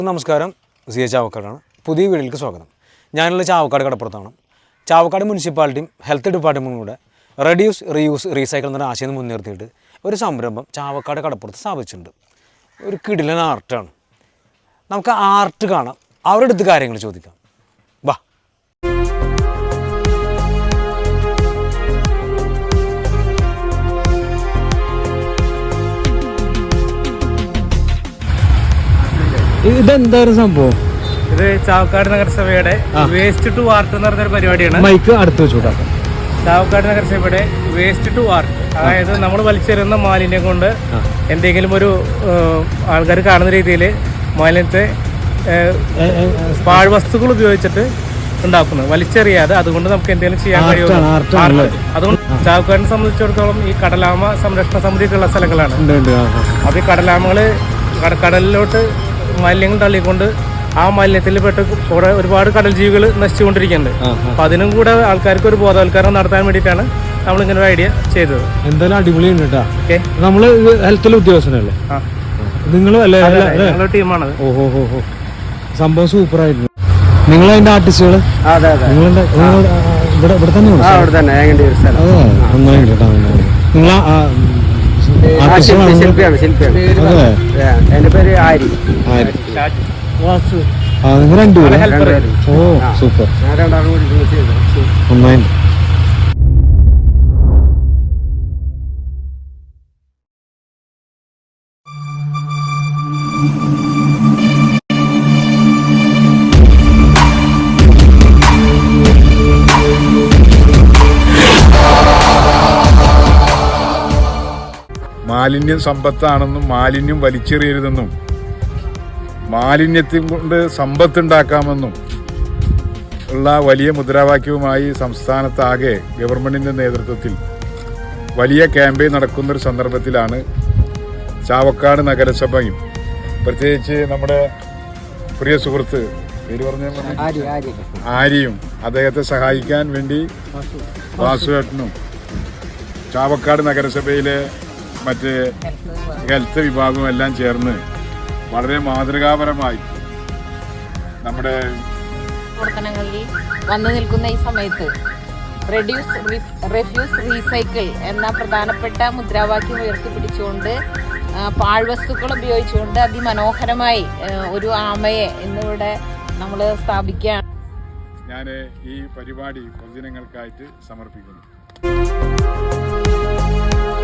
നമസ്കാരം, സി ചാവക്കാടാണ്. പുതിയ വീഡിയോയിലേക്ക് സ്വാഗതം. ഞാനുള്ള ചാവക്കാട് കടപ്പുറത്താണ്. ചാവക്കാട് മുനിസിപ്പാലിറ്റിയും ഹെൽത്ത് ഡിപ്പാർട്ട്മെൻറ്റും കൂടെ റെഡ്യൂസ് റീയൂസ് റീസൈക്കിൾ എന്നൊരു ആശയം മുൻനിർത്തിയിട്ട് ഒരു സംരംഭം ചാവക്കാട് കടപ്പുറത്ത് സ്ഥാപിച്ചിട്ടുണ്ട്. ഒരു കിടിലൻ ആർട്ടാണ്. നമുക്ക് ആർട്ട് കാണാം, അവരുടെ അടുത്ത് കാര്യങ്ങൾ ചോദിക്കാം. വാ. ഇതെന്താ സംഭവം? ഇത് ചാവക്കാട് നഗരസഭയുടെ വേസ്റ്റ് ടു ആർട്ട് എന്ന് പറഞ്ഞൊരു പരിപാടിയാണ്. മൈക്ക് അടുത്ത് വെച്ചുകൂടാ. ചാവക്കാട് നഗരസഭയുടെ വേസ്റ്റ് ടു ആർട്ട്, അതായത് നമ്മൾ വലിച്ചെറിയുന്ന മാലിന്യം കൊണ്ട് എന്തെങ്കിലും ഒരു ആൾക്കാർ കാണുന്ന രീതിയിൽ മാലിന്യത്തെ പാഴ്വസ്തുക്കൾ ഉപയോഗിച്ചിട്ട് ഉണ്ടാക്കുന്നത്, വലിച്ചെറിയാതെ. അതുകൊണ്ട് നമുക്ക് എന്തെങ്കിലും ചെയ്യാൻ കഴിയുമോ? അതുകൊണ്ട് ചാവക്കാടിനെ സംബന്ധിച്ചിടത്തോളം ഈ കടലാമ സംരക്ഷണ സമിതിയൊക്കെയുള്ള സ്ഥലങ്ങളാണ്. അപ്പോൾ ഈ കടലാമകൾ കടലിലോട്ട് മാലിന്യങ്ങൾ തള്ളിക്കൊണ്ട് ആ മാലിന്യത്തിൽ പെട്ട് ഒരുപാട് കടൽ ജീവികൾ നശിച്ചുകൊണ്ടിരിക്കുന്നുണ്ട്. അപ്പൊ അതിനും കൂടെ ആൾക്കാർക്ക് ഒരു ബോധവൽക്കരണം നടത്താൻ വേണ്ടിയിട്ടാണ് നമ്മൾ ഇങ്ങനെ ഒരു ഐഡിയ ചെയ്തത്. എന്തായാലും അടിപൊളിയുണ്ട് കേട്ടോ. നമ്മള് ഹെൽത്തിലെ ഉദ്യോഗസ്ഥനല്ലേ? നിങ്ങളുടെ ടീമാണത്. ഓഹോ, സംഭവം സൂപ്പർ ആയിരുന്നു. നിങ്ങൾ അതിന്റെ ആർട്ടിസ്റ്റുകൾ ഇവിടെ തന്നെ നന്നായി കേട്ടോ. നിങ്ങൾ എന്റെ പേര് ആരി. നിങ്ങൾ രണ്ടുപേരും? ഓ സൂപ്പർ, നന്നായി. മാലിന്യം സമ്പത്താണെന്നും മാലിന്യം വലിച്ചെറിയരുതെന്നും മാലിന്യത്തിൽ കൊണ്ട് സമ്പത്തുണ്ടാക്കാമെന്നും ഉള്ള വലിയ മുദ്രാവാക്യവുമായി സംസ്ഥാനത്താകെ ഗവൺമെൻറ്റിൻ്റെ നേതൃത്വത്തിൽ വലിയ ക്യാമ്പയിൻ നടക്കുന്നൊരു സന്ദർഭത്തിലാണ് ചാവക്കാട് നഗരസഭയും പ്രത്യേകിച്ച് നമ്മുടെ പ്രിയ സുഹൃത്ത് പേര് പറഞ്ഞ ആര്യയും അദ്ദേഹത്തെ സഹായിക്കാൻ വേണ്ടി വാസുവേട്ടനും ചാവക്കാട് നഗരസഭയിലെ മറ്റ് ഹെൽത്ത് വിഭാഗവും എല്ലാം ചേർന്ന് വളരെ മാതൃകാപരമായി നമ്മുടെ പ്രവർത്തനങ്ങളിൽ വന്നു നിൽക്കുന്ന ഈ സമയത്ത് റെഡ്യൂസ് റീസൈക്കിൾ എന്ന പ്രധാനപ്പെട്ട മുദ്രാവാക്യം ഉയർത്തിപ്പിടിച്ചുകൊണ്ട് പാഴ്വസ്തുക്കൾ ഉപയോഗിച്ചുകൊണ്ട് അതിമനോഹരമായി ഒരു ആമയെ ഇന്നിവിടെ നമ്മൾ സ്ഥാപിക്കുകയാണ്. ഞാൻ ഈ പരിപാടി പൊതുജനങ്ങൾക്കായിട്ട് സമർപ്പിക്കുന്നു.